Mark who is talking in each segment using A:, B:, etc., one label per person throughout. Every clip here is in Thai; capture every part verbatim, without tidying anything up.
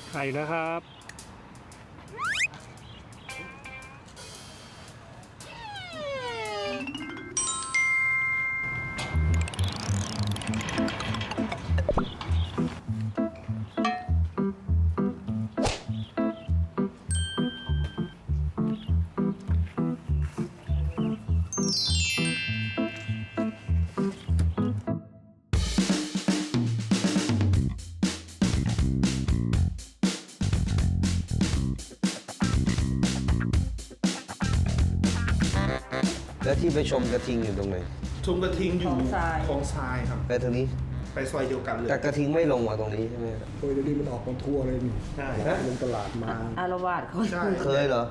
A: ไข่แล้วครับ
B: แล้วที่ไปชมกระทิงอยู่ตรงไหน
C: ชมกระทิงอยู่
D: คลองทราย
C: คลองทรายครับ
B: ไปทางนี้
C: ไปซอยเดียวกันเลย
B: แต่กระทิงไม่ลงมาตรงนี้ใช่ไหม
E: โดยเดี๋ยวนี้มันออกมาทั่วเลยนี่
C: ใช่
E: ลงตลาดมา
D: อารวาสเขา
C: ใช่
B: เคยเหรอ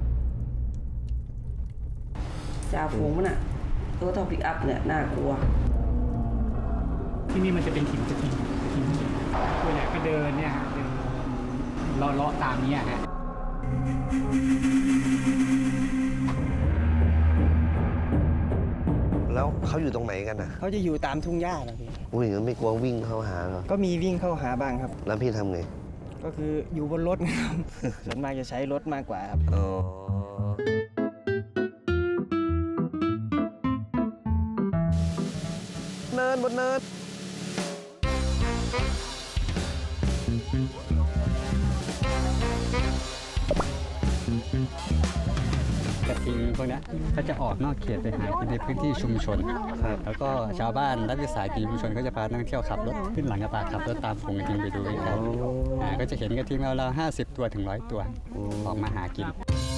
D: จ่าฝูงมันอ่ะตัวเท่าปิกอัพเนี่ยน่ากลัว
A: ที่นี่มันจะเป็นถิ่นกระทิงกระทิงตัวใหญ่ก็เดินเนี่ยฮะเดินเลาะเลาะตามเนี้ยฮะ
B: แล้วเขาอยู่ตรงไหนกันนะ
F: เขาจะอยู่ตามทุ่งหญ้าครับพี่
B: อุ้ยงั้นไม่กลัววิ่งเข้าหาเหรอ
F: ก็มีวิ่งเข้าหาบ้างครับ
B: แล้วพี่ทำไง
F: ก็คืออยู่บนรถครับ ส่วนมากจะใช้รถมากกว่าครับ
B: อ๋อเนินบนเนิน
G: กระทิงพวกนี้เขาจะออกนอกเขตไปหากินในพื้นที่ชุมชน แล้วก็ชาวบ้านรัฐวิสาหกิจชุมชนก็จะพานักท่องเที่ยวขับรถขึ้นหลังกระบะขับรถตามฝูงกระทิงไปดูกันครับอ่าก็จะเห็นกระทิงเราเราห้าสิบตัวถึงร้อยตัวออกมาหากิน